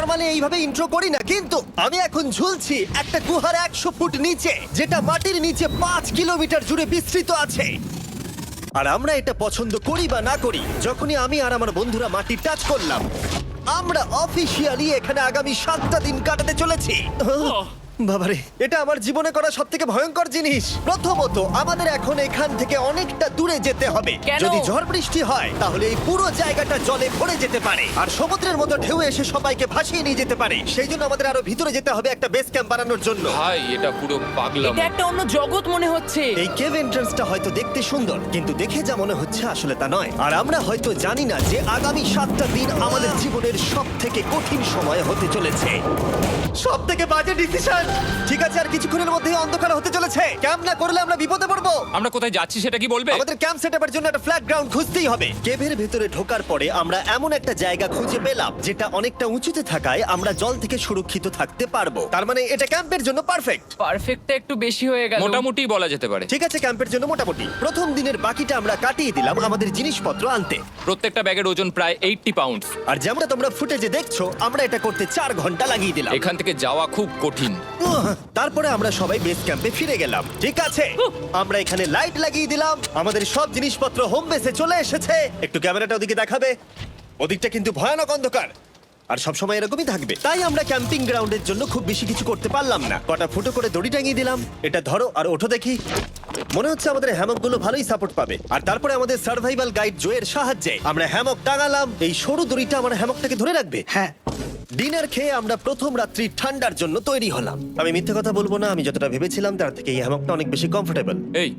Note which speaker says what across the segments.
Speaker 1: Normally এইভাবে intro করি না, কিন্তু আমি এখন ঝুলছি একটা গুহার 100 ফুট নিচে, যেটা মাটির নিচে 5 কিলোমিটার জুড়ে বিস্তৃত আছে। আর আমরা এটা পছন্দ করি বা না করি, যখনই আমি আর আমার বন্ধুরা মাটি টাচ করলাম, আমরা অফিসিয়ালি এখানে আগামী 7টা দিন কাটাতে চলেছি। বাবারে, এটা আমার জীবনে করা সবথেকে ভয়ঙ্কর জিনিস। প্রথমত, আমাদের এখন এখান থেকে অনেকটা দূরে যেতে হবে।
Speaker 2: কেন?
Speaker 1: যদি ঝড় বৃষ্টি হয় তাহলে এই পুরো জায়গাটা জলে ভরে যেতে পারে, আর সমুদ্রের মতো ঢেউ এসে সবাইকে ভাসিয়ে নিয়ে যেতে পারে। সেই জন্য আমাদের আরো ভিতরে যেতে হবে একটা বেস ক্যাম্প বানানোর জন্য।
Speaker 3: ভাই এটা পুরো পাগলাম।
Speaker 2: এটা একটা অন্য জগৎ মনে হচ্ছে।
Speaker 1: এই কেভ এন্ট্রান্সটা হয়তো দেখতে সুন্দর, কিন্তু দেখে যা মনে হচ্ছে আসলে তা নয়। আর আমরা হয়তো জানি না যে আগামী 7টা দিন আমাদের জীবনের সব থেকে কঠিন সময় হতে চলেছে। সব থেকে বাজে ডিসিশন। ঠিক আছে, আর কিছুক্ষণের মধ্যেই অন্ধকার হতে চলেছে। ক্যাম্প না করলে আমরা বিপদে পড়বো।
Speaker 3: আমরা কোথায় যাচ্ছি সেটা কি বলবে?
Speaker 1: আমাদের ক্যাম্প সেটআপের জন্য একটা ফ্ল্যাট গ্রাউন্ড খুঁজতেই হবে। কেভের ভেতরে ঢোকার পরে আমরা এমন একটা জায়গা খুঁজে পেলাম যেটা অনেকটা উঁচুতে থাকায় আমরা জল থেকে সুরক্ষিত থাকতে পারবো। তার মানে এটা ক্যাম্পের জন্য পারফেক্ট।
Speaker 2: পারফেক্টটা একটু বেশি হয়ে গেল।
Speaker 3: মোটামুটি বলা যেতে পারে।
Speaker 1: ঠিক আছে, ক্যাম্পের জন্য মোটামুটি। প্রথম দিনের বাকিটা আমরা কাটিয়ে দিলাম আমাদের জিনিসপত্র আনতে।
Speaker 3: প্রত্যেকটা ব্যাগের ওজন প্রায় 80 পাউন্ড।
Speaker 1: আর যেমনটা তোমরা ফুটেজে দেখছো, আমরা এটা করতে 4 ঘন্টা লাগিয়ে দিলাম।
Speaker 3: এখান থেকে যাওয়া খুব কঠিন।
Speaker 1: তারপরে আমরা সবাই বেস ক্যাম্পে ফিরে গেলাম। ঠিক আছে, আমরা এখানে লাইট লাগিয়ে দিলাম। আমাদের সব জিনিসপত্র হোম বেসে চলে এসেছে। একটু ক্যামেরাটা ওদিকে দেখাবে? ওদিকটা কিন্তু ভয়ানক অন্ধকার, আর সবসময় এরকমই থাকবে। তাই আমরা ক্যাম্পিং গ্রাউন্ডের জন্য খুব বেশি কিছু করতে পারলাম না। কটা ফুটো করে দড়ি টাঙিয়ে দিলাম। এটা ধরো আর ওঠো দেখি। মনে হচ্ছে আমাদের হ্যামকগুলো ভালোই সাপোর্ট পাবে। আর তারপরে আমাদের সার্ভাইভাল গাইড জোয়ের সাহায্যে আমরা হ্যামক টাঙালাম। এই সরু দড়িটা আমার হ্যামকটাকে ধরে রাখবে।
Speaker 4: হ্যাঁ,
Speaker 1: ডিনার খেয়ে আমরা প্রথম রাত্রি ঠান্ডার জন্য তৈরি হলাম। আমি মিথ্যে কথা বলবো না, আমি যতটা ভেবেছিলাম তার থেকে এই হ্যামকটা অনেক বেশি কমফোর্টেবল।
Speaker 3: এই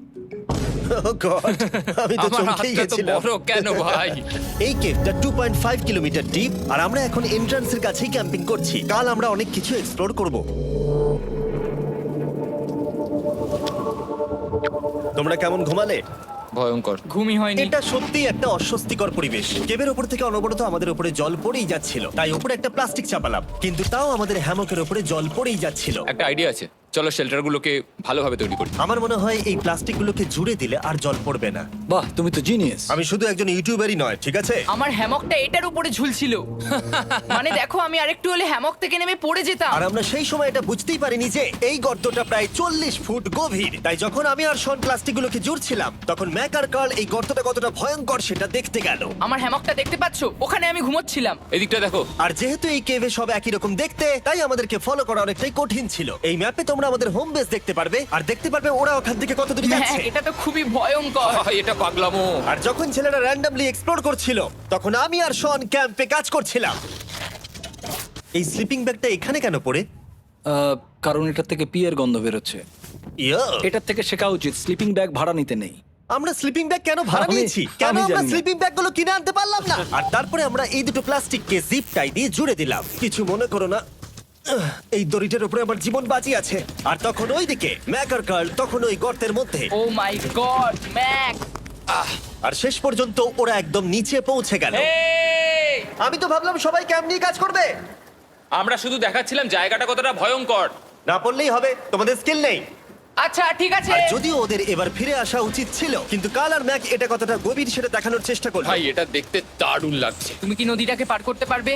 Speaker 1: আমি তো
Speaker 3: আমার
Speaker 1: চমকেই
Speaker 3: হাতটা তো
Speaker 1: গেছিলাম।
Speaker 3: বড় কেন ভাই?
Speaker 1: এই কেভটা 2.5 কিলোমিটার ডিপ, আর আমরা এখন এন্ট্রান্সের কাছেই ক্যাম্পিং করছি। কাল আমরা অনেক কিছু এক্সপ্লোর করব। তোমরা কেমন ঘুমালে?
Speaker 3: ভয়ঙ্কর।
Speaker 2: ঘুমই হয়নি।
Speaker 1: এটা সত্যি একটা অস্বস্তিকর পরিবেশ। কেবের উপর থেকে অনবরত আমাদের উপরে জল পড়েই যাচ্ছিল, তাই উপরে একটা প্লাস্টিক চাপালাম, কিন্তু তাও আমাদের হ্যামকের উপরে জল পড়েই যাচ্ছিল।
Speaker 3: একটা আইডিয়া আছে, চলো শেল্টারগুলোকে ভালোভাবে তৈরি করি।
Speaker 1: আমার মনে হয় এই প্লাস্টিকগুলোকে জুড়ে দিলে আর জল পড়বে না।
Speaker 4: বাহ, তুমি তো জিনিয়াস।
Speaker 1: আমি শুধু একজন ইউটিউবারই নয়, ঠিক আছে?
Speaker 2: আমার হ্যামকটা এটার উপরে ঝুলছিল। মানে দেখো, আমি আরেকটু হলে হ্যামক থেকে নেমে পড়ে যেতাম।
Speaker 1: আর আমরা সেই সময় এটা বুঝতেই পারিনি যে এই গর্তটা প্রায় 40 ফুট গভীর। তাই যখন আমি আর শন প্লাস্টিকগুলোকে জুড়ছিলাম, তখন ম্যাক আর কার্ল এই গর্তটা কতটা ভয়ঙ্কর সেটা দেখতে গেল।
Speaker 2: আমার হ্যামকটা দেখতে পাচ্ছো? ওখানে আমি ঘুমোচ্ছিলাম।
Speaker 3: এদিকটা দেখো।
Speaker 1: আর যেহেতু এই কেভে সব একই রকম দেখতে, তাই আমাদেরকে ফলো করা অনেকটাই কঠিন ছিল। এই ম্যাপে তোমরা আমাদের হোম বেস দেখতে পারবে, আর দেখতে পারবে ওরা ওখান থেকে কত দূরে
Speaker 2: হ্যাঁ,
Speaker 1: যাচ্ছে।
Speaker 2: এটা তো খুবই ভয়ঙ্কর।
Speaker 3: ভাই এটা পাগলামো।
Speaker 1: আর যখন ছেলেরা র্যান্ডমলি এক্সপ্লোর করছিল, তখন আমি আর শন ক্যাম্পে কাজ করছিলাম। এই স্লিপিং ব্যাগটা এখানে কেন পড়ে?
Speaker 4: কারণ এটার থেকে পিয়ের গন্ধ বেরোচ্ছে।
Speaker 1: ইয়া,
Speaker 4: এটার থেকে শেখা উচিত স্লিপিং ব্যাগ ভাড়া নিতে নেই।
Speaker 1: আমরা স্লিপিং ব্যাগ কেন ভাড়া
Speaker 4: আমি-
Speaker 1: নিয়েছি? কেন
Speaker 4: আমি
Speaker 1: আমরা
Speaker 4: জানি না।
Speaker 1: স্লিপিং ব্যাগগুলো কিনে আনতে পারলাম না? আর তারপরে আমরা এই দুটো প্লাস্টিককে জিপ টাই দিয়ে জুড়ে দিলাম। কিছু মনে করো না, এই দড়িটার উপরে আমার জীবন বাজি আছে। আর তখন ওইদিকে ম্যাক আর কার্ল তখন ওই গর্তের মধ্যে।
Speaker 2: ও মাই গড, ম্যাক!
Speaker 1: আর শেষ পর্যন্ত ওরা একদম নিচে পৌঁছে গেল।
Speaker 3: এই,
Speaker 1: আমি তো ভাবলাম সবাই ক্যাম্প নিয়ে কাজ করবে।
Speaker 3: আমরা শুধু দেখাচ্ছিলাম জায়গাটা কতটা ভয়ঙ্কর।
Speaker 1: না পড়লেই হবে, তোমাদের স্কিল নেই।
Speaker 2: আচ্ছা ঠিক আছে।
Speaker 1: আর যদিও ওদের এবার ফিরে আসা উচিত ছিল, কিন্তু কাল আর ম্যাক এটা কতটা গভীর সেটা দেখানোর চেষ্টা করলো।
Speaker 3: ভাই এটা দেখতে দারুণ লাগছে।
Speaker 2: তুমি কি নদীটাকে পার করতে পারবে?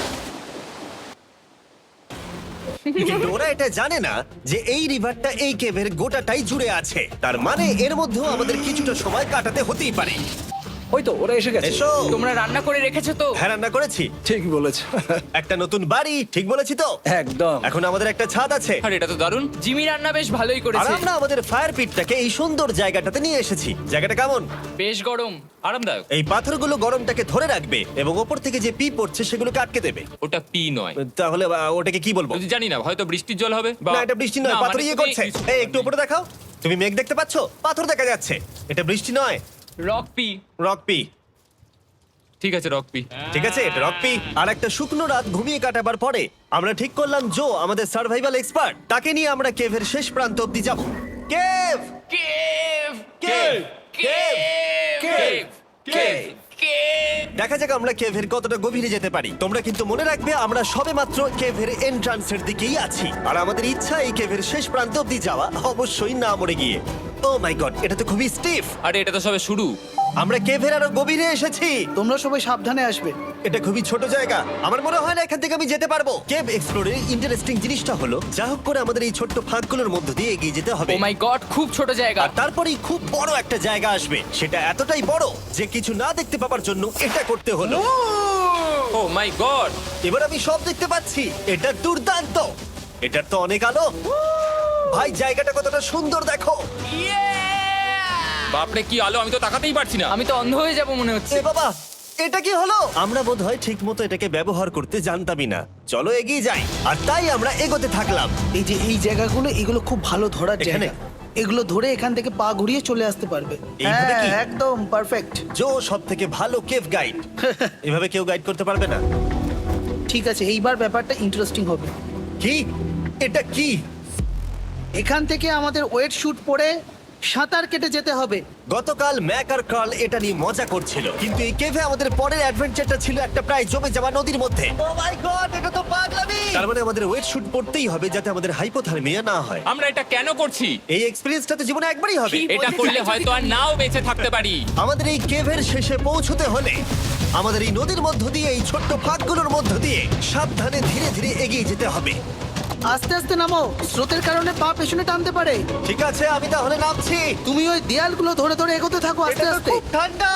Speaker 1: কিন্তু ওরা এটা জানে না যে এই রিভারটা এই কেভের গোটাটাই জুড়ে আছে। তার মানে এর মধ্যেও আমাদের কিছুটা সময় কাটাতে হতেই পারে।
Speaker 4: ওই তো ওরা এসে গেছে।
Speaker 1: এসো।
Speaker 2: তোমরা রান্না করে রেখেছো তো?
Speaker 1: হ্যাঁ, রান্না করেছি।
Speaker 4: ঠিক বলেছ।
Speaker 1: একটা নতুন বাড়ি, ঠিক বলেছি তো?
Speaker 4: একদম।
Speaker 1: এখন আমাদের একটা ছাদ আছে।
Speaker 3: আর এটা তো দারুণ।
Speaker 2: জিমি রান্না বেশ ভালোই
Speaker 1: আর
Speaker 2: করেছে।
Speaker 1: আমরা আমাদের ফায়ার পিটটাকে এই সুন্দর জায়গাটাতে নিয়ে এসেছি। জায়গাটা কেমন?
Speaker 2: বেশ গরম।
Speaker 3: আরামদায়ক।
Speaker 1: এই পাথরগুলো গরমটাকে ধরে রাখবে এবং ওপর থেকে যে পি পড়ছে সেগুলোকে আটকে দেবে।
Speaker 3: ওটা পি নয়।
Speaker 1: তাহলে ওটাকে কি বলবো?
Speaker 3: যদি জানি না, হয়তো বৃষ্টির জল হবে বা
Speaker 1: না, এটা বৃষ্টি নয়,
Speaker 3: না,
Speaker 1: পাথর
Speaker 3: মানে
Speaker 1: ইয়ে
Speaker 3: তুমি
Speaker 1: করছে। এই একটু উপরে দেখাও। তুমি মেঘ দেখতে পাচ্ছো? পাথর দেখা যাচ্ছে। এটা বৃষ্টি নয়,
Speaker 2: রক পি।
Speaker 1: Rock P.
Speaker 3: ঠিক আছে, রক পি।
Speaker 1: ঠিক আছে, এটা রক পি। আর একটা শুকনো রাত ঘুমিয়ে কাটাবার পরে আমরা ঠিক করলাম জো আমাদের সার্ভাইভাল এক্সপার্ট, তাকে নিয়ে আমরা কেভের শেষ প্রান্ত অব্দি যাব। Cave,
Speaker 2: cave!
Speaker 1: Cave, cave,
Speaker 2: cave!
Speaker 1: Cave.
Speaker 2: Cave!
Speaker 1: দেখা যাক আমরা কেভের কতটা গভীরে যেতে পারি। তোমরা কিন্তু মনে রাখবে আমরা সবেমাত্র কেভের এন্ট্রান্সের দিকেই আছি, আর আমাদের ইচ্ছা এই কেভের শেষ প্রান্ত অব্দি যাওয়া, অবশ্যই না মরে গিয়ে। ও মাই গড, এটা তো খুবই স্টিফ।
Speaker 3: আরে এটা তো সবে শুরু।
Speaker 1: আমরা কেভের আরো গভীরে এসেছি।
Speaker 5: তোমরা সবাই সাবধানে আসবে।
Speaker 1: এটা খুবই ছোট জায়গা, আমার মনে হয় না এখান থেকে আমি যেতে পারবো। কেভ এক্সপ্লোরের ইন্টারেস্টিং জিনিসটা হলো যা হোক করে আমাদের এই ছোট্ট ফাঁকগুলোর মধ্য দিয়ে এগিয়ে যেতে হবে।
Speaker 2: ও মাই গড, খুব ছোট জায়গা।
Speaker 1: আর তারপরেই খুব বড় একটা জায়গা আসবে, সেটা এতটাই বড় যে কিছু না দেখতে পাওয়ার জন্য এটা করতে হলো।
Speaker 3: Oh my god!
Speaker 1: এবার আমি সব দেখতে পাচ্ছি, এটা দুর্দান্ত। এটার তো অনেক আলো। ভাই জায়গাটা কতটা সুন্দর দেখো।
Speaker 3: বাপরে কি আলো, আমি তো তাকাতেই পারছি না।
Speaker 2: আমি তো অন্ধ হয়ে যাব মনে হচ্ছে।
Speaker 1: এ বাবা, এটা কি হলো? আমরা বোধহয় ঠিক মতো এটাকে ব্যবহার করতে জানতামই না। চলো এগিয়ে যাই। আর তাই আমরা এগোতে থাকলাম।
Speaker 5: এই যে এই জায়গাগুলো, এগুলো খুব ভালো ধরার
Speaker 1: এখানে?
Speaker 5: জায়গা। এগুলো ধরে এখান থেকে পা ঘুরিয়ে চলে আসতে পারবে।
Speaker 1: এইভাবে কি?
Speaker 5: একদম পারফেক্ট।
Speaker 1: জো সব থেকে ভালো কেভ গাইড। এভাবে কেউ গাইড করতে পারবে না।
Speaker 5: ঠিক আছে, এইবার ব্যাপারটা ইন্টারেস্টিং হবে।
Speaker 1: কি? এটা কি?
Speaker 5: এখান থেকে আমাদের ওয়েট শুট পরে সাঁতার কেটে যেতে হবে।
Speaker 1: গতকাল ম্যাক আর কার্ল এটা নিয়ে মজা করছিল, কিন্তু এই কেভে আমাদের পরের অ্যাডভেঞ্চারটা ছিল একটা প্রায় জমে যাওয়া নদীর মধ্যে। ও মাই গড, এটা তো পাগলামি! তার মানে আমাদের ওয়েট শুট পড়তেই হবে যাতে আমাদের হাইপোথার্মিয়া না হয়।
Speaker 3: আমরা এটা কেন করছি?
Speaker 1: এই এক্সপেরিয়েন্সটা তো জীবনে একবারই হবে।
Speaker 3: এটা করলে হয়তো আর নাও বেঁচে থাকতে পারি।
Speaker 1: আমাদের এই কেভের শেষে পৌঁছতে হলে আমাদের এই নদীর মধ্য দিয়ে, এই ছোট্ট ফাঁকগুলোর মধ্য দিয়ে সাবধানে ধীরে ধীরে এগিয়ে যেতে হবে।
Speaker 5: আস্তে আস্তে নামো, স্রোতের কারণে পা পেছনে টানতে পারে।
Speaker 1: ঠিক আছে, আমি তাহলে নামছি।
Speaker 5: তুমি ওই দেয়ালগুলো ধরে ধরে এগোতে থাকো আস্তে
Speaker 1: এটা তো
Speaker 5: আস্তে।
Speaker 1: খুব ঠান্ডা।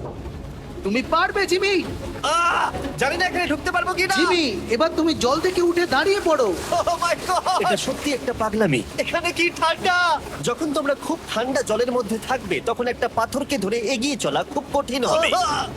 Speaker 5: তুমি পারবে জিমি।
Speaker 1: জানি না এখানে ঢুকতে পারবো কি না।
Speaker 5: জিমি, এবার তুমি জল থেকে উঠে দাঁড়িয়ে পড়ো।
Speaker 1: এটা সত্যি একটা পাগলামি। এখানে কি ঠান্ডা! যখন তোমরা খুব ঠান্ডা জলের মধ্যে থাকবে তখন একটা পাথরকে ধরে এগিয়ে চলা খুব কঠিন হবে।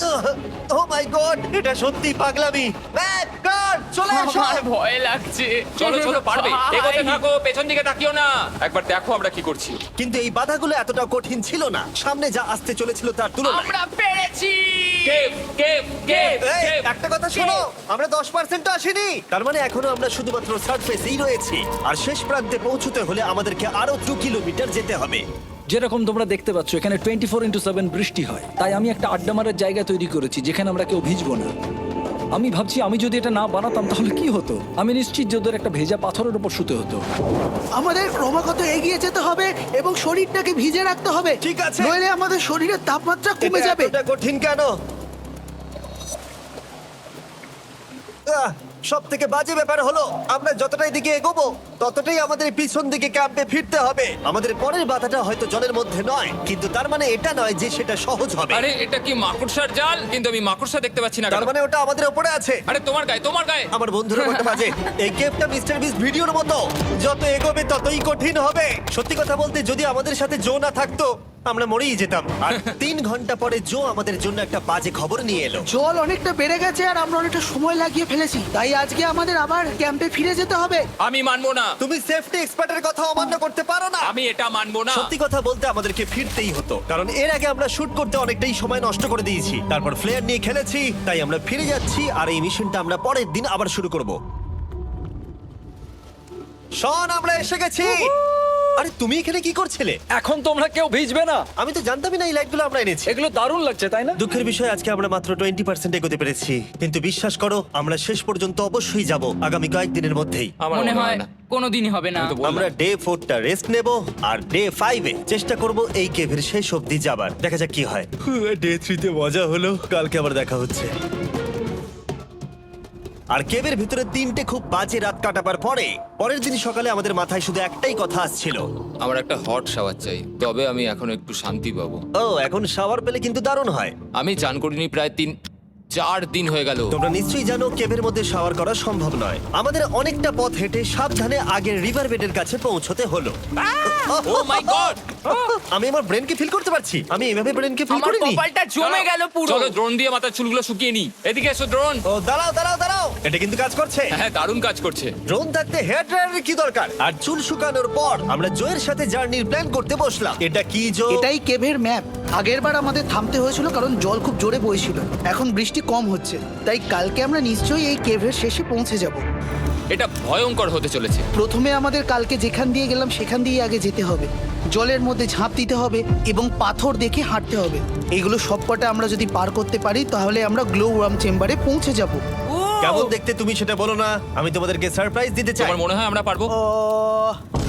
Speaker 1: ও মাই গড, এটা সত্যি পাগলামি। ম্যাক, কার্ল, চলে এসো।
Speaker 2: আমার ভয় লাগছে।
Speaker 3: চলো চলো, পারবে।
Speaker 2: ভাই।
Speaker 3: এগোতে থাকো, পেছন দিকে তাকিও না। একবার দেখো আমরা কি করছি।
Speaker 1: কিন্তু এই বাধাগুলো এতটা কঠিন ছিল না সামনে যা আসতে চলেছিল তার তুলনায়।
Speaker 2: আমরা পেরেছি।
Speaker 3: কেভ কেভ কেভ
Speaker 1: এই,
Speaker 3: কেভ।
Speaker 1: একটা কথা শোনো, আমরা 10% আসিনি। তার মানে এখনো আমরা শুধুমাত্র সার্ফেসেই রয়েছি, আর শেষ প্রান্তে পৌঁছতে হলে আমাদেরকে আরো 2 কিলোমিটার যেতে হবে।
Speaker 4: যেরকম তোমরা দেখতে পাচ্ছ এখানে 24x7 বৃষ্টি হয়, তাই আমি একটা আড্ডা মারার জায়গা তৈরি করেছি যেখানে আমরা কেউ ভিজবো না। আমি ভাবছি আমি যদি এটা না বানাতাম তাহলে কি হতো। আমি নিশ্চিত যে ওদের একটা ভেজা পাথরের উপর শুতে হতো।
Speaker 5: আমাদের ক্রমাগত এগিয়ে যেতে হবে এবং শরীরটাকে ভিজে রাখতে হবে।
Speaker 1: ঠিক আছে।
Speaker 5: নইলে আমাদের শরীরের তাপমাত্রা কমে যাবে।
Speaker 1: এটা কঠিন কেন? সব থেকে বাজে ব্যাপার হলো আমরা যতটাই দিকে এগোবো ততটাই আমাদের পিছন দিকে ক্যাম্পে ফিরতে হবে। আমাদের পরের বাধাটা হয়তো জলের মধ্যে নয়, কিন্তু তার মানে এটা নয় যে সেটা সহজ হবে।
Speaker 3: আরে এটা কি মাকড়সার জাল? কিন্তু আমি মাকড়সা দেখতে পাচ্ছি না
Speaker 1: তার
Speaker 3: কেন?
Speaker 1: মানে ওটা আমাদের উপরে আছে।
Speaker 3: আরে তোমার গায়ে, তোমার গায়ে।
Speaker 1: আমার বন্ধুরা বলতে বাজে, এই গেমটা মিস্টার বিস ভিডিওর মতো, যত এগোবে ততই কঠিন হবে। সত্যি কথা বলতে যদি আমাদের সাথে জো না থাকতো আমরা মরেই যেতাম। আর 3 ঘন্টা পরে জো আমাদের জন্য একটা বাজে খবর নিয়ে এলো।
Speaker 5: জল অনেকটা বেড়ে গেছে আর আমরা অনেকটা সময় লাগিয়ে ফেলেছি, তাই আজকে আমাদের আবার ক্যাম্পে ফিরে যেতে হবে।
Speaker 3: আমি মানবো না।
Speaker 1: তুমি সেফটি এক্সপার্টের কথা অমান্য করতে পারো না।
Speaker 3: আমি এটা মানবো না।
Speaker 1: সত্যি কথা বলতে আমাদেরকে ফিরতেই হতো, কারণ এর আগে আমরা শুট করতে অনেকটাই সময় নষ্ট করে দিয়েছি। তারপর ফ্লেয়ার নিয়ে খেলেছি, তাই আমরা ফিরে যাচ্ছি আর এই মিশনটা আমরা পরের দিন আবার শুরু করব। শন, আমরা এসে গেছি। আরে তুমি এখানে কি করছিলে?
Speaker 4: এখন তোমরা কেউ ভিজবে না।
Speaker 1: আমি তো জানতামই না এই লাইটগুলো আমরা এনেছি।
Speaker 4: এগুলো দারুণ লাগছে তাই না?
Speaker 1: দুঃখের বিষয় আজকে আমরা মাত্র 20% এগোতে পেরেছি, কিন্তু বিশ্বাস করো আমরা শেষ পর্যন্ত অবশ্যই যাব আগামী কয়েকদিনের মধ্যেই।
Speaker 3: আমার
Speaker 2: মনে হয়
Speaker 3: না।
Speaker 2: কোনোদিনই হবে না।
Speaker 3: আমি তো বললাম।
Speaker 1: আমরা ডে 4টা রেস্ট নেব আর ডে 5-এ চেষ্টা করব এই কেভের শেষ অবধি যাবার। দেখা যাক কি হয়। ডে 3-তে মজা হলো, কালকে আবার দেখা হচ্ছে। আর কেভের ভিতরে 3টে খুব বাজে রাত কাটাবার পরে পরের দিন সকালে আমাদের মাথায় শুধু একটাই কথা আসছিল,
Speaker 3: আমার একটা হট শাওয়ার চাই, তবে আমি এখন একটু শান্তি পাবো।
Speaker 1: ও এখন শাওয়ার পেলে কিন্তু দারুণ হয়।
Speaker 3: আমি চান করিনি প্রায় 3-4 দিন হয়ে গেল।
Speaker 1: তোমরা নিশ্চয়ই জানো কেভের মধ্যে শাওয়ার করা সম্ভব নয়। আমাদের অনেকটা পথ হেঁটে সাবধানে আগের রিভার বেডের কাছে পৌঁছতে হলো।
Speaker 3: Oh my god!
Speaker 1: আমি আমার ব্রেনকে ফিল করতে পারছি। আমি এভাবে ব্রেনকে ফিল
Speaker 2: আমার
Speaker 1: করিনি।
Speaker 2: কপালটা জমে গেল পুরো।
Speaker 3: চলো ড্রোন দিয়ে মাথার চুলগুলো শুকিয়ে নি। এদিকে এসো ড্রোন।
Speaker 1: ও দাঁড়াও দাঁড়াও দাঁড়াও, এটা কিন্তু কাজ করছে।
Speaker 3: হ্যাঁ, দারুণ কাজ করছে।
Speaker 1: ড্রোন থাকতে হেয়ার ড্রায়ারের কি দরকার? আর চুল শুকানোর পর আমরা জোয়ের সাথে জার্নির প্ল্যান করতে বসলাম। এটা কি জো?
Speaker 5: এটাই কেভের ম্যাপ। আগেরবার আমাদের থামতে হয়েছিল কারণ জল খুব জোরে বইছিল। এখন বৃষ্টি কম হচ্ছে, তাই কালকে আমরা নিশ্চয়ই এই কেভের শেষে পৌঁছে যাব।
Speaker 3: এটা ভয়ঙ্কর হতে চলেছে।
Speaker 5: প্রথমে আমাদের কালকে যেখান দিয়ে গেলাম সেখান দিয়ে আগে যেতে হবে। জলের মধ্যে ঝাঁপ দিতে হবে এবং পাথর দেখে হাঁটতে হবে। এগুলো সবকটা আমরা যদি পার করতে পারি তাহলে আমরা গ্লো ওয়ার্ম চেম্বারে পৌঁছে যাব।
Speaker 1: কেমন দেখতে তুমি সেটা বলো না, আমি তোমাদেরকে সারপ্রাইজ দিতে চাই।
Speaker 3: তোমার মনে হয় আমরা পারবো?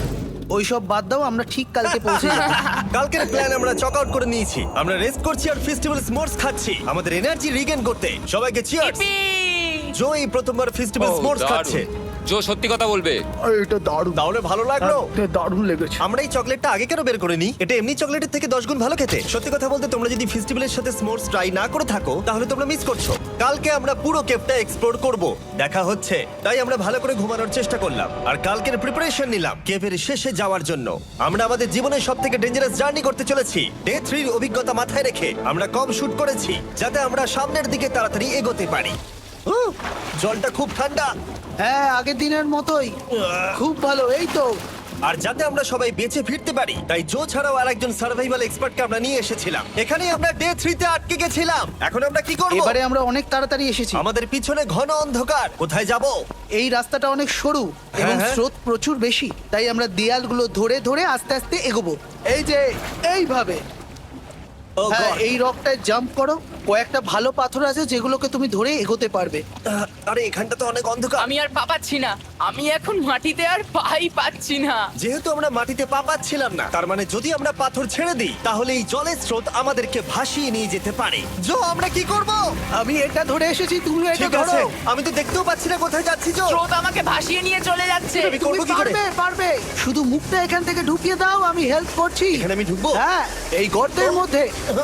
Speaker 5: ওইসব বাদ দাও, আমরা ঠিক কালকে পৌঁছে যাবো।
Speaker 1: কালকের প্ল্যান আমরা চক আউট করে নিয়েছি। আমরা রেস্ট করছি আর ফেস্টিভ্যাল স্মোর্স খাচ্ছি আমাদের এনার্জি রিগেন করতে। সবাইকে চিয়ার্স।
Speaker 2: Yippee!
Speaker 1: জো এই প্রথমবার ফেস্টিভ্যাল
Speaker 3: Oh,
Speaker 1: স্মোর্স
Speaker 3: দারুণ।
Speaker 1: খাচ্ছে।
Speaker 3: জো সত্যি কথা বলবে।
Speaker 5: এটা দারুণ,
Speaker 1: তাহলে ভালো লাগলো?
Speaker 5: দারুণ লেগেছে।
Speaker 1: আমরা এই চকলেটটা আগে কেন বের করিনি? এটা এমনি চকলেটের থেকে 10 গুণ ভালো খেতে। সত্যি কথা বলতে তোমরা যদি ফেস্টিভ্যালের সাথে স্মোর্স ট্রাই না করে থাকো তাহলে তোমরা মিস করছো। কালকে আমরা পুরো কেভটা এক্সপ্লোর করব, দেখা হচ্ছে। তাই আমরা ভালো করে ঘুমানোর চেষ্টা করলাম আর কালকের প্রিপারেশন নিলাম কেভের শেষে যাওয়ার জন্য। আমরা আমাদের জীবনের সবথেকে ডেঞ্জারাস জার্নি করতে চলেছি। ডে 3 এর অভিজ্ঞতা মাথায় রেখে আমরা কম শুট করেছি যাতে আমরা সামনের দিকে তাড়াতাড়ি এগোতে পারি। জলটা খুব ঠান্ডা
Speaker 5: হ্যাঁ, আগের দিনের মতোই খুব ভালো। এই তো
Speaker 1: আর যাতে আমরা সবাই বেঁচে ফিরতে পারি তাই জো ছাড়াও আরেকজন সার্ভাইভাল এক্সপার্টকে আমরা নিয়ে এসেছিলাম। এখানে আমরা ডে 3 তে আটকে গেছিলাম। এখন আমরা কি করব?
Speaker 5: এবারে আমরা অনেক তাড়াতাড়ি এসেছি।
Speaker 1: আমাদের পিছনে ঘন অন্ধকার, কোথায় যাব?
Speaker 5: এই রাস্তাটা অনেক সরু এবং
Speaker 1: হ্যাঁ।
Speaker 5: স্রোত প্রচুর বেশি, তাই আমরা দেয়ালগুলো ধরে ধরে আস্তে আস্তে এগোবো। এই যে এইভাবে।
Speaker 1: ও
Speaker 5: হ্যাঁ,
Speaker 1: God!
Speaker 5: এই রকটায় জাম্প করো। কয়েকটা ভালো পাথর আছে যেগুলোকে তুমি ধরে এগোতে পারবে।
Speaker 1: আরে এখানটা তো অনেক অন্ধকার।
Speaker 2: আমি আর পা পাচ্ছি না, আমি এখন মাটিতে আর পাই পাচ্ছি না।
Speaker 1: যেহেতু আমরা মাটিতে পা পাচ্ছিলাম না, তার মানে যদি আমরা পাথর ছেড়ে দিই তাহলে এই জলের স্রোত আমাদেরকে ভাসিয়ে নিয়ে যেতে পারে। জো, আমরা কি করব?
Speaker 5: আমি এটা ধরে এসেছি, তুমি এটা
Speaker 1: ঠিক
Speaker 5: ধরো।
Speaker 1: আছে, আমি তো দেখতেও পাচ্ছি না কোথায় যাচ্ছি। জো,
Speaker 2: স্রোত আমাকে ভাসিয়ে নিয়ে চলে যাচ্ছে।
Speaker 1: আমি
Speaker 5: তুমি
Speaker 1: করবো কি করে?
Speaker 5: পারবে, পারবে। শুধু মুখটা এখান থেকে ঢুকিয়ে দাও, আমি হেল্প করছি।
Speaker 1: এখানে আমি ঢুকবো?
Speaker 5: হ্যাঁ, এই গর্তের মধ্যে।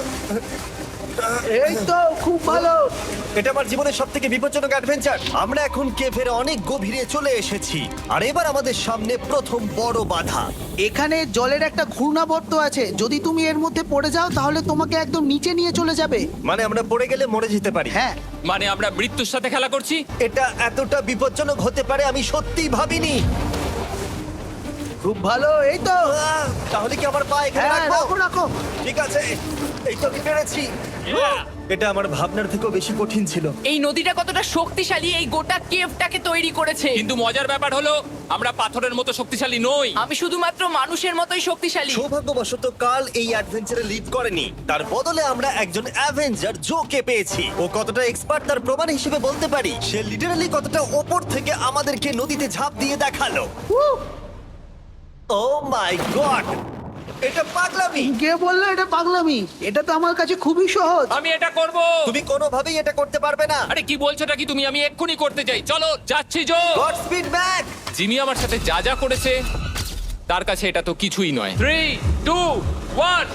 Speaker 5: এই তো, খুব ভালো।
Speaker 1: এটা আমার জীবনের সবথেকে বিপজ্জনক অ্যাডভেঞ্চার। আমরা এখন কেভের অনেক গভীরে চলে এসেছি আর এবার আমাদের সামনে প্রথম বড় বাধা।
Speaker 5: এখানে জলের একটা ঘূর্ণাবর্ত আছে, যদি তুমি এর মধ্যে পড়ে যাও তাহলে তোমাকে একদম নিচে নিয়ে চলে যাবে।
Speaker 1: মানে আমরা পড়ে গেলে মরে যেতে পারি।
Speaker 5: হ্যাঁ,
Speaker 3: মানে আমরা মৃত্যুর সাথে খেলা করছি।
Speaker 1: এটা এতটা বিপজ্জনক হতে পারে আমি সত্যিই ভাবিনি।
Speaker 5: খুব ভালো। এই তো,
Speaker 1: তাহলে কি আমার পা এখানে
Speaker 5: হ্যাঁ,
Speaker 1: রাখবো?
Speaker 5: রাখো রাখো।
Speaker 1: ঠিক আছে, এই তো আমি পেরেছি। এটা আমার ভাবনার থেকেও বেশি কঠিন ছিল।
Speaker 2: এই নদীটা কতটা শক্তিশালী এই গোটা কেভটাকে তৈরি করেছে।
Speaker 3: কিন্তু মজার ব্যাপার হলো আমরা পাথরের মতো শক্তিশালী নই।
Speaker 2: আমি শুধুমাত্র মানুষের মতোই শক্তিশালী।
Speaker 1: সৌভাগ্যবশত কাল এই অ্যাডভেঞ্চারে লিড করেনি, তার বদলে আমরা একজন অ্যাভেঞ্জার জোকে পেয়েছি। ও কতটা এক্সপার্ট তার প্রমাণ হিসেবে বলতে পারি। সে লিটারালি কতটা ওপর থেকে আমাদেরকে নদীতে ঝাঁপ দিয়ে দেখালো। ও মাই গড, এটা পাগলামি।
Speaker 5: কে বললো এটা পাগলামি? এটা তো আমার কাছে খুবই সহজ।
Speaker 3: আমি এটা করব।
Speaker 1: তুমি কোনোভাবেই এটা করতে পারবে না।
Speaker 3: আরে কি বলছোটা কি তুমি? আমি এক্ষুনি করতে চাই। চলো যাচ্ছি Joe.
Speaker 1: God speed back.
Speaker 3: Jimmy আমার সাথে যা যা করেছে তার কাছে এটা তো কিছুই নয়। 3, 2, 1।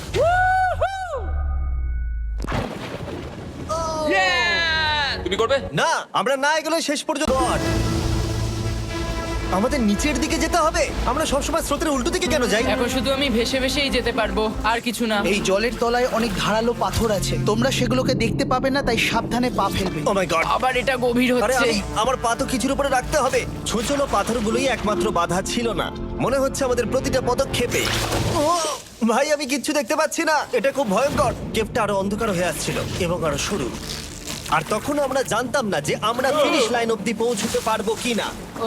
Speaker 3: তুমি করবে?
Speaker 1: না, আমরা না এগুলো শেষ পর্যন্ত। God! আমাদের নিচের দিকে যেতে হবে। আমরা সবসময় স্রোতের উল্টো দিকে কেন যাই?
Speaker 2: এখন শুধু আমি ভেসে ভেসেই যেতে পারবো, আর কিছু না।
Speaker 5: এই জলের তলায় অনেক ধারালো পাথর আছে, তোমরা সেগুলোকে দেখতে পাবে না, তাই সাবধানে পা ফেলবে।
Speaker 1: Oh my god.
Speaker 2: আবার এটা গভীর
Speaker 1: আরে
Speaker 2: হচ্ছে।
Speaker 1: আমার পা তো কিছুর উপরে রাখতে হবে। ছোট পাথরগুলোই একমাত্র বাধা ছিল না, মনে হচ্ছে আমাদের প্রতিটা পদক্ষেপে। ও ভাই, আমি কিচ্ছু দেখতে পাচ্ছি না। এটা খুব ভয়ঙ্কর। কেভটা আরো অন্ধকার হয়ে আসছিল এবং আরো সরু। আর তখন আমরা জানতাম না যে আমরা ফিনিশ লাইন অবধি পৌঁছতে পারবো কিনা।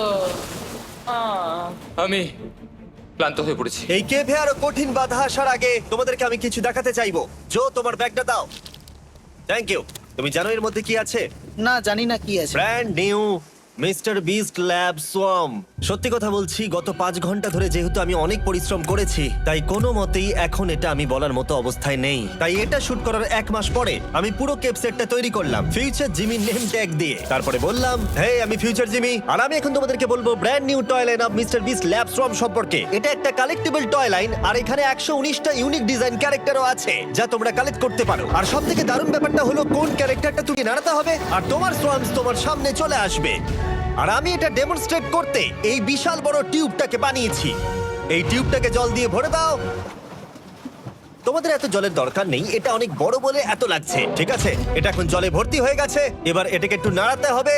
Speaker 3: আমি ক্লান্ত হয়ে পড়েছি।
Speaker 1: এই কেভে আরো কঠিন বাধা আসার আগে তোমাদেরকে আমি কিছু দেখাতে চাইবো। জো, তোমার ব্যাগটা দাও। Thank you. তুমি জানো এর মধ্যে কি আছে?
Speaker 5: না, জানি না কি আছে।
Speaker 1: Brand new mister beast lab swarm. সত্যি কথা বলছি, গত 5 ঘন্টা ধরে যেহেতু আমি অনেক পরিশ্রম করেছি, তাই কোনো মতেই এখন এটা আমি বলার মতো অবস্থায় নেই। তাই এটা শুট করার 1 মাস পরে আমি পুরো কেপ সেটটা তৈরি করলাম ফিউচার জিমি নেম ট্যাগ দিয়ে। তারপরে বললাম, হে, আমি ফিউচার জিমি, আর আমি এখন তোমাদেরকে বলবো brand new toy line of mister beast lab swarm সম্পর্কে। এটা একটা কালেক্টেবল টয় লাইন, আর এখানে 119টা ইউনিক ডিজাইন ক্যারেক্টারও আছে যা তোমরা কালেক্ট করতে পারো। আর সবথেকে দারুণ ব্যাপারটা হলো কোন ক্যারেক্টারটা তুমি নাড়াতে হবে আর তোমার সোয়ামস তোমার সামনে চলে আসবে। আর আমি এটা ডেমনস্ট্রেট করতে এই বিশাল বড় টিউবটাকে বানিয়েছি। এই টিউবটাকে জল দিয়ে ভরে দাও। তোমাদের এত জলের দরকার নেই, এটা অনেক বড় বলে এত লাগছে। ঠিক আছে, এটা এখন জলে ভর্তি হয়ে গেছে। এবার এটাকে একটু নাড়াতে হবে।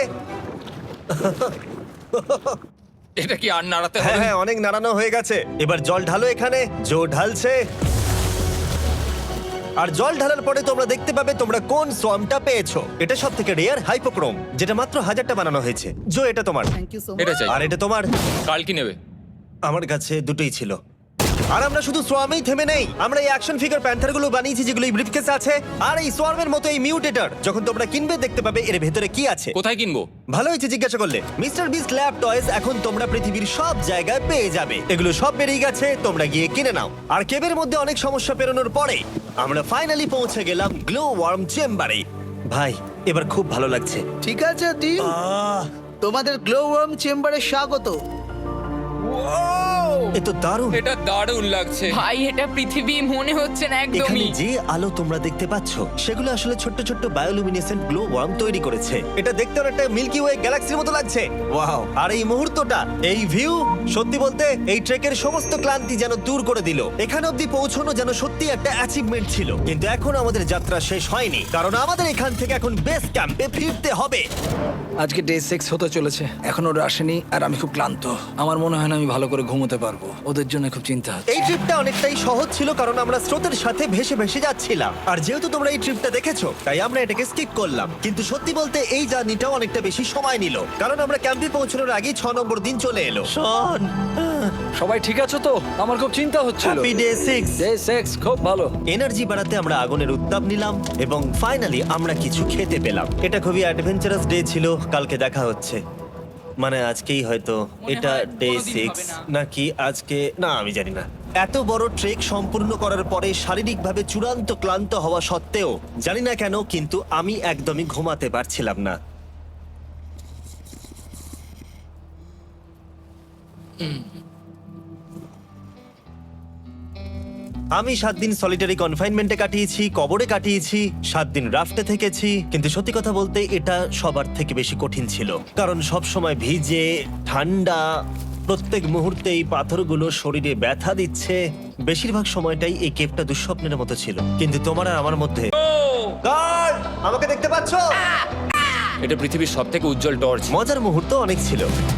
Speaker 3: এটা কি আর নাড়াতে
Speaker 1: হ্যাঁ
Speaker 3: হবে?
Speaker 1: হ্যাঁ, অনেক নাড়ানো হয়ে গেছে। এবার জল ঢালো এখানে। জো ঢালছে। আর জল ঢালার পরে তোমরা দেখতে পাবে তোমরা কোন সোয়ামটা পেয়েছো। এটা সব থেকে রেয়ার হাইপোক্রোম, যেটা মাত্র 1000টা বানানো হয়েছে। জো, এটা তোমার।
Speaker 5: Thank you so much.
Speaker 3: এটা চাই।
Speaker 1: আর এটা তোমার।
Speaker 3: কাল কি নেবে?
Speaker 1: আমার কাছে দুটোই ছিল। আর আমরা শুধু সোয়ামেই থেমে নেই, আমরা এই অ্যাকশন ফিগার প্যান্থারগুলো বানিয়েছি যেগুলো এই ব্রিফকেসে আছে। আর এই সোয়ার্মের মতো এই মিউটেটর যখন তোমরা কিনবে দেখতে পাবে এর ভেতরে কি আছে।
Speaker 3: কোথায় কিনবো?
Speaker 1: ভালো হয়েছে জিজ্ঞাসা করলে। মিস্টার বিস্ট ল্যাব টয়েস এখন তোমরা পৃথিবীর সব জায়গায় পেয়ে যাবে। এগুলো সব বেরিয়ে গেছে, তোমরা গিয়ে কিনে নাও। আর কেবের মধ্যে অনেক সমস্যা পেরোনোর পরে আমরা ফাইনালি পৌঁছে গেলাম গ্লো ওয়ার্ম চেম্বারে। ভাই এবার খুব ভালো লাগছে।
Speaker 5: ঠিক আছে টিম, তোমাদের গ্লো ওয়ার্ম চেম্বারে স্বাগত।
Speaker 1: এ তো দারুণ।
Speaker 3: এটা দারুণ লাগছে।
Speaker 2: ভাই এটা পৃথিবী মনে হচ্ছে না
Speaker 1: এখানে
Speaker 2: একদমই।
Speaker 1: যে আলো তোমরা দেখতে পাচ্ছ সেগুলো আসলে ছোট্ট ছোট্ট বায়োলুমিনেসেন্ট গ্লো ওয়ার্ম তৈরি করেছে। এটা দেখতে অনেকটা মিল্কি ওয়ে গ্যালাক্সির মতো লাগছে। ওয়াও! আর এই মুহূর্তটা, এই ভিউ, সত্যি বলতে এই ট্রেকের সমস্ত ক্লান্তি যেন দূর করে দিল। এখানে অবধি পৌঁছানো যেন সত্যি একটা অ্যাচিভমেন্ট ছিল। কিন্তু এখন আমাদের যাত্রা শেষ হয়নি, কারণ আমাদের এখান থেকে এখন বেস ক্যাম্পে ফিরতে হবে।
Speaker 4: আজকে ডে 6 হতে চলেছে, এখনো ওরা আসেনি আর আমি খুব ক্লান্ত। আমার মনে হয় না আমি ভালো করে ঘুমোতে পারবো, ওদের জন্য খুব চিন্তা হচ্ছে।
Speaker 1: এই ট্রিপটা অনেকটাই সহজ ছিল কারণ আমরা স্রোতের সাথে ভেসে ভেসে যাচ্ছিলাম। আর যেহেতু তোমরা এই ট্রিপটা দেখেছো তাই আমরা এটাকে স্কিপ করলাম। কিন্তু সত্যি বলতে এই জার্নিটাও অনেকটা বেশি সময় নিল, কারণ আমরা ক্যাম্পে পৌঁছানোর আগেই 6 নম্বর দিন চলে এলো। শন,
Speaker 4: সবাই ঠিক আছো তো? আমার খুব চিন্তা হচ্ছিল।
Speaker 1: Happy day 6।
Speaker 4: ডে 6 খুব ভালো।
Speaker 1: এনার্জি বাড়াতে আমরা আগুনের উত্তাপ নিলাম এবং ফাইনালি আমরা কিছু খেতে পেলাম। এটা খুবই অ্যাডভেঞ্চারাস ডে ছিল। কালকে দেখা হচ্ছে, মানে আজকেই হয়তো। এটা
Speaker 2: হয়
Speaker 1: ডে
Speaker 2: কোনোদিন
Speaker 1: 6
Speaker 2: হবে না।
Speaker 1: নাকি আজকে, না আমি জানি না। এত বড় ট্রেক সম্পূর্ণ করার পরে শারীরিকভাবে চূড়ান্ত ক্লান্ত হওয়া সত্ত্বেও জানি না কেন কিন্তু আমি একদমই ঘুমাতে পারছিলাম না। আমি 7 দিন সলিটারি কনফাইনমেন্টে কাটিয়েছি, কবরে কাটিয়েছি, 7 দিন রাফটে থেকেছি। কিন্তু সত্যি কথা বলতে এটা সবার থেকে বেশি কঠিন ছিল, কারণ সব সময় ভিজে, ঠান্ডা, প্রত্যেক মুহূর্তে এই পাথরগুলো শরীরে ব্যথা দিচ্ছে। বেশিরভাগ সময়টাই এই কেভটা দুঃস্বপ্নের মতো ছিল। কিন্তু তোমার আর আমার মধ্যে গার্ড, আমাকে দেখতে পাচ্ছো?
Speaker 3: এটা পৃথিবীর সবথেকে উজ্জ্বল টর্চ।
Speaker 1: মজার মুহূর্ত অনেক ছিল।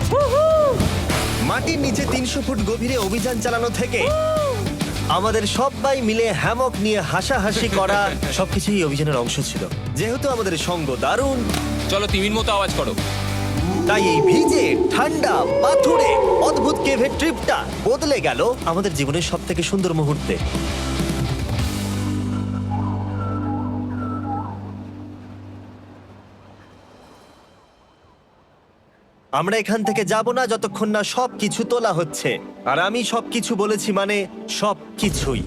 Speaker 1: মাটির নিচে 300 ফুট গভীরে অভিযান চালানো থেকে আমাদের সবাই মিলে হ্যামক নিয়ে হাসাহাসি করা সবকিছুই অভিযানের অংশ ছিল। যেহেতু আমাদের সঙ্গ দারুণ,
Speaker 3: চলো তিমির মতো আওয়াজ করো।
Speaker 1: তাই এই ভিজে, ঠান্ডা, পাথুরে অদ্ভুত কেভের ট্রিপটা বদলে গেল আমাদের জীবনের সব থেকে সুন্দর মুহূর্তে। আমরা এখান থেকে যাব না যতক্ষণ না সবকিছু তোলা হচ্ছে। আর আমি সবকিছু বলেছি মানে সবকিছুই।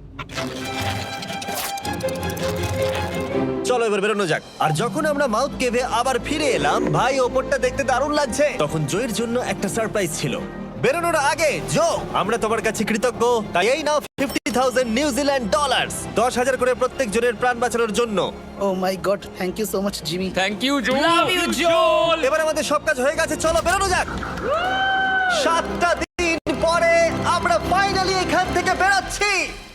Speaker 1: চলো এবার বেরোনো যাক। আর যখন আমরা মাউথ কেভে আবার ফিরে এলাম, ভাই ওপরটা দেখতে দারুণ লাগছে। তখন জয়ের জন্য একটা সারপ্রাইজ ছিল। বেরোনোর আগে জো, আমরা তোমার কাছে কৃতজ্ঞ। তাই এই নাও 50,000 নিউজিল্যান্ড ডলার, 10,000 করে প্রত্যেক জনের প্রাণ বাঁচানোর জন্য।
Speaker 5: Oh my god, thank you so much Jimmy.
Speaker 3: Thank you Joe.
Speaker 2: Love you, Joel!
Speaker 1: এবার আমাদের সব কাজ হয়ে গেছে, চলো বেরোনো যাক। 7টা দিন পরে আমরা ফাইনালি এখান থেকে বেরোচ্ছি।